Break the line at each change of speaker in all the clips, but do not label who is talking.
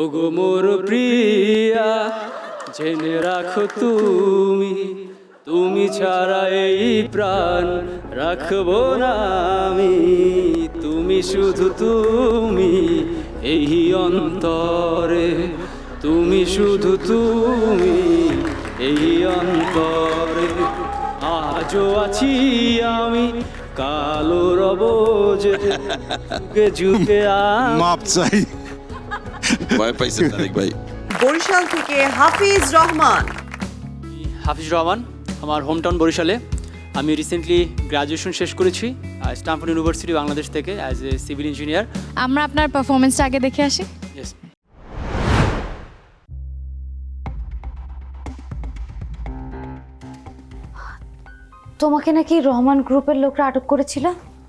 ওগো মোর প্রিয়া জেনে রাখো তুমি, তুমি ছাড়া এই প্রাণ রাখবো না আমি। তুমি শুধু তুমি এই অন্তরে, তুমি শুধু তুমি এই অন্তরে। আজও আছি আমি, কালো রব যে যুগে যুগে
মাপ চাই।
ভয় পাইছেন তারেক ভাই।
বরিশাল থেকে হাফিজ রহমান।
হাফিজ রহমান, আমার হোমটাউন বরিশালে। আমি রিসেন্টলি গ্র্যাজুয়েশন শেষ করেছি স্ট্যানফোর্ড ইউনিভার্সিটি বাংলাদেশ থেকে অ্যাজ এ সিভিল ইঞ্জিনিয়ার।
আমরা আপনার পারফরমেন্সটা আগে দেখে আসি।
ইয়েস।
তোমাকে নাকি রহমান গ্রুপের লোকরা আটক করেছিল?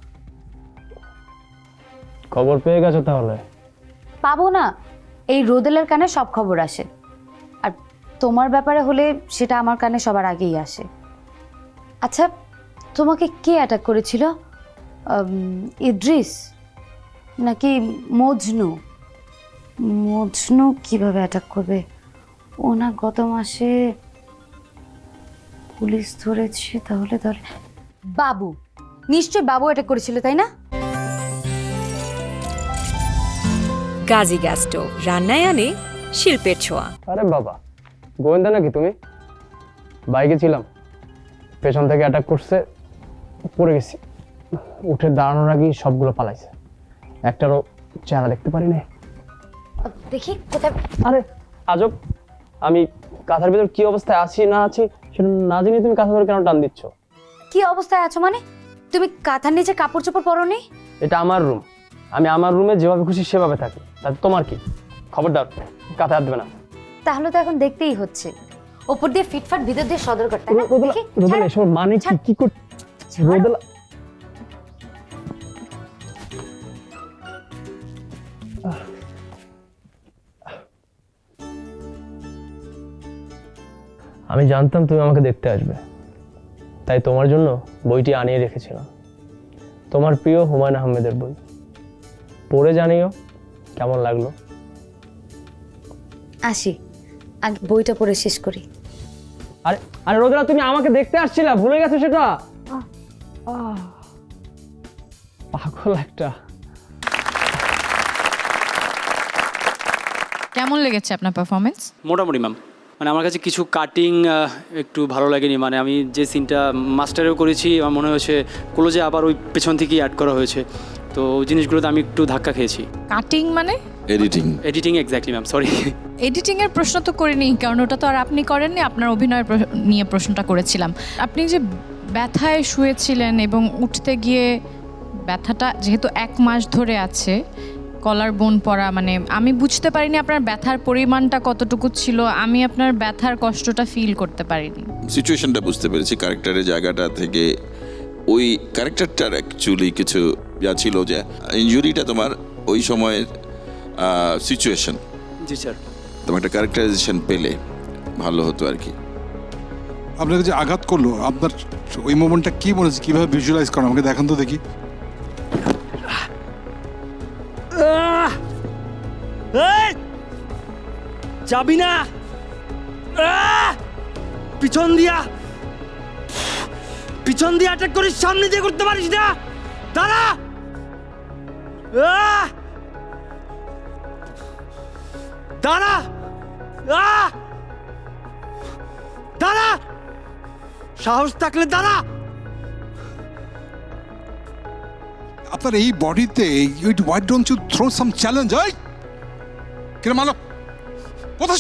খবর পেয়ে গেছো তাহলে?
পাবো না, এই রোদেলের কানে সব খবর আসে, আর তোমার ব্যাপারে হলে সেটা আমার কানে সবার আগেই আসে। আচ্ছা, তোমাকে কে অ্যাটাক করেছিল? ইদ্রিস নাকি মজনু? মজনু কিভাবে অ্যাটাক করবে? ও না গত মাসে পুলিশ ধরেছে, তাহলে ধরে বাবু, নিশ্চয় বাবু অ্যাটাক করেছিল, তাই না?
গাজী গ্যাস স্টোভ রান্নায় আনে শিল্পের ছোঁয়া।
আরে বাবা, গোয়েন্দা নাকি তুমি? বাইকে ছিলাম, পেছন থেকে অ্যাটাক করছে, পড়ে গেছি। উঠে দাঁড়ানোর আগেই সবগুলো পালাইছে, একটারও চেহারা দেখতে পারি না।
দেখি কোথায়।
আরে আজব, আমি কাঁথার ভিতর কি অবস্থায় আছি না আছি সেটা না জেনে তুমি কাঁথা ধরে কেন টান দিচ্ছ?
কি অবস্থায় আছো মানে? তুমি কাঁথার নিচে কাপড় চোপড় পরোনি?
এটা আমার রুম, আমি আমার রুমে যেভাবে খুশি সেভাবে থাকি, তাতে তোমার কি? খবরদার কাঁথা হাত দেবে না।
তাহলে তো এখন দেখতেই হচ্ছে, ওপর দিয়ে ফিটফাট ভিতর দিয়ে সদর করতে।
রোদেলা, এসব মানে কি? কি কর রোদেলা? আমি জানতাম তুমি আমাকে দেখতে আসবে, তাই তোমার জন্য বইটি আনিয়ে রেখেছিলাম। তোমার প্রিয় হুমায়ুন আহমেদের বই। পড়ে জানিও কেমন লাগলো।
আসি, আগে বইটা পড়ে শেষ করি।
আরে আরে রোদেলা, তুমি আমাকে দেখতে আসছিলা, ভুলে গেছো সেটা? পাগল একটা।
কেমন লেগেছে আপনার পারফরমেন্স?
মোটামুটি ম্যাম, মানে আমার কাছে কিছু কাটিং একটু ভালো লাগেনি। মানে আমি যে সিনটা মাস্টারেও করেছি, আমার মনে হয়েছে ক্লোজে আবার ওই পেছন থেকেই অ্যাড করা হয়েছে, তো ওই জিনিসগুলোতে আমি একটু ধাক্কা খেয়েছি।
কাটিং মানে?
Editing.
Editing, exactly ma'am, sorry.
Editing এর প্রশ্ন তো করিনি, কারণ ওটা তো আর আপনি করেননি, আপনার অভিনয় নিয়ে প্রশ্নটা করেছিলাম। আপনি যে ব্যথায় শুয়েছিলেন এবং উঠতে গিয়ে ব্যথাটা যেহেতু 1 মাস ধরে আছে, কলার বোন পড়া, মানে আমি বুঝতে পারিনি আপনার ব্যথার পরিমাণটা কতটুকু ছিল। আমি আপনার ব্যথার কষ্টটা ফিল করতে পারিনি।
সিচুয়েশনটা বুঝতে পেরেছি, ক্যারেক্টারের জায়গাটা থেকে। ওই ক্যারেক্টারটার অ্যাকচুয়ালি কিছু যা ছিল, যে ইনজুরিটা তোমার ওই সময়ের সিচুয়েশন।
জি স্যার।
তোমার একটা ক্যারেক্টারাইজেশন পেলে ভালো হতো আর কি।
আপনাকে যে আঘাত করলো, আপনার ওই মোমেন্টটা কি মনে হচ্ছে, কিভাবে ভিজুয়ালাইজ করেন আমাকে দেখান তো দেখি।
যাবি না, পিছন দিয়া অ্যাটাক করিস, সামনে দিয়ে করতে পারিস না। দাঁড়া, দাঁড়া, দাঁড়া, সাহস থাকলে দাঁড়া।
আপনার এই বডিতে why don't you throw some challenge? এই কিরে মালো, কোথা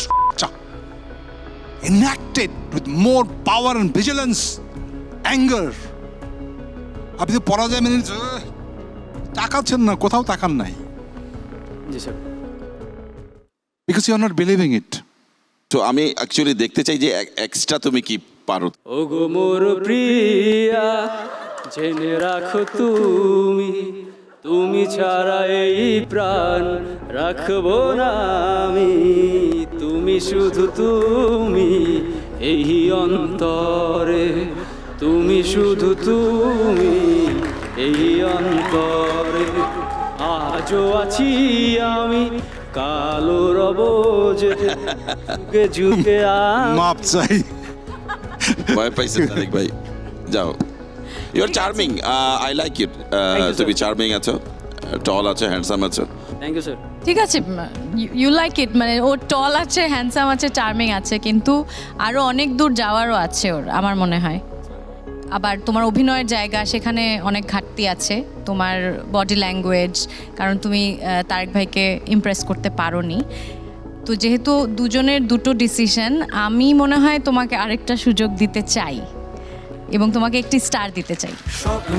enacted with more power and vigilance, anger. আপনি তো পরাজয় মেনে তাকাচ্ছেন না, কোথাও তাকান নাই,
জি sir.
because you are not believing it.
তো আমি অ্যাকচুয়ালি দেখতে চাই যে এক্সট্রা তুমি কি পারো।
ওগো মোর প্রিয়া জেনে রাখো তুমি, তুমি ছাড়া এই প্রাণ রাখবো না আমি। তুমি শুধু তুমি এই অন্তরে, তুমি শুধু তুমি এই অন্তরে। আজও আছি আমি, কালো রব যে যুগে যুগে
মাপ চাই।
ভয় পাইছেন তারেক ভাই, যাও। You are charming, I like it.
you,
তুমি
sir.
চার্মিং আছো, টল আছো, হ্যান্ডসাম আছো।
Thank you sir.
ঠিক আছে, ইউ লাইক ইট, মানে ও টল আছে, হ্যান্ডসাম আছে, চার্মিং আছে, কিন্তু আরও অনেক দূর যাওয়ারও আছে ওর, আমার মনে হয়। আবার তোমার অভিনয়ের জায়গা, সেখানে অনেক ঘাটতি আছে, তোমার বডি ল্যাঙ্গুয়েজ, কারণ তুমি তারেক ভাইকে ইমপ্রেস করতে পারোনি। তো যেহেতু দুজনের দুটো ডিসিশন, আমি মনে হয় তোমাকে আরেকটা সুযোগ দিতে চাই এবং তোমাকে একটি স্টার দিতে চাই।
স্বপ্ন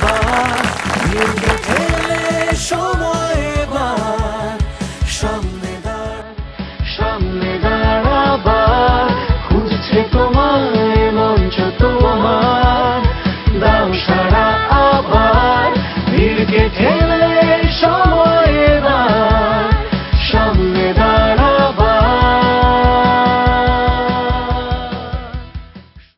দেখাবার সময় এবার সামনে